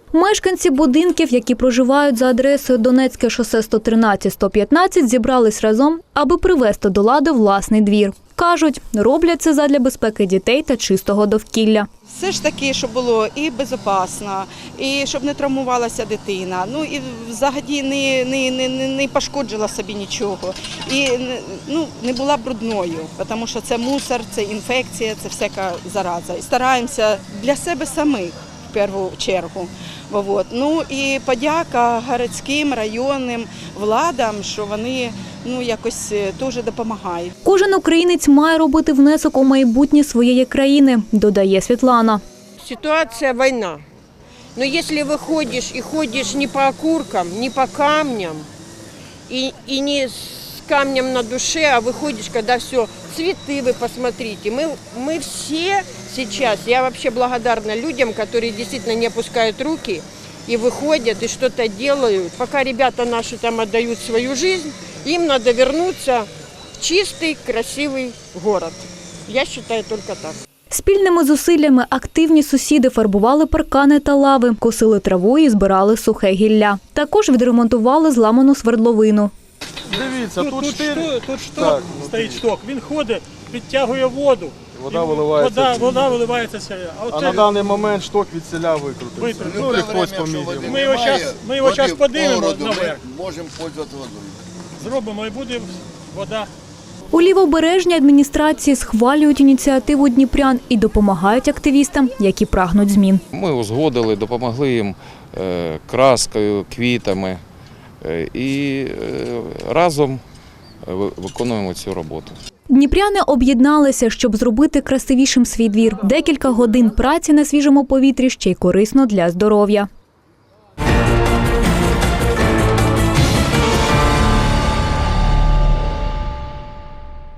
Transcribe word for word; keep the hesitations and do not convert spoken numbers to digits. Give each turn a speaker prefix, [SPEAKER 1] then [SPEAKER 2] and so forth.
[SPEAKER 1] Мешканці будинків, які проживають за адресою Донецьке шосе сто тринадцять - сто п'ятнадцять, зібрались разом, аби привести до ладу власний двір. Кажуть, роблять це задля безпеки дітей та чистого довкілля.
[SPEAKER 2] Все ж таки, щоб було і безпечно, і щоб не травмувалася дитина, ну і взагалі не, не, не, не пошкоджила собі нічого, і ну, не була брудною, тому що це мусор, це інфекція, це всяка зараза. І стараємося для себе самих в першу чергу. Вот. Ну і подяка городським, районним владам, що вони ну, якось теж допомагають.
[SPEAKER 1] Кожен українець має робити внесок у майбутнє своєї країни, додає Світлана.
[SPEAKER 3] Ситуация война. Но если выходишь и ходишь не по окуркам, не по камням, и, и не с камнем на душе, а выходишь, когда все, цветы вы посмотрите. Мы, мы все сейчас, я вообще благодарна людям, которые действительно не опускают руки и выходят, и что-то делают. Пока ребята наши там отдают свою жизнь, им надо вернуться в чистый, красивый город. Я считаю только так.
[SPEAKER 1] Спільними зусиллями активні сусіди фарбували паркани та лави, косили траву і збирали сухе гілля. Також відремонтували зламану свердловину.
[SPEAKER 4] Дивіться, тут,
[SPEAKER 5] тут, тут,
[SPEAKER 4] штир...
[SPEAKER 5] шток, тут шток
[SPEAKER 4] так,
[SPEAKER 5] стоїть шток, він ходить, підтягує воду.
[SPEAKER 4] Вода виливається.
[SPEAKER 5] Вода, вода виливається сюди. А,
[SPEAKER 4] А на даний момент шток від селя викрутився.
[SPEAKER 5] Викрутився.
[SPEAKER 4] Ну, і хтось поміг.
[SPEAKER 5] Ми його зараз, ми його зараз подивимо наверх.
[SPEAKER 6] Можемо пользуватися водою.
[SPEAKER 5] Зробимо і буде вода.
[SPEAKER 1] У Лівобережній адміністрації схвалюють ініціативу дніпрян і допомагають активістам, які прагнуть змін.
[SPEAKER 7] Ми узгодили, допомогли їм краскою, квітами і разом виконуємо цю роботу.
[SPEAKER 1] Дніпряни об'єдналися, щоб зробити красивішим свій двір. Декілька годин праці на свіжому повітрі ще й корисно для здоров'я.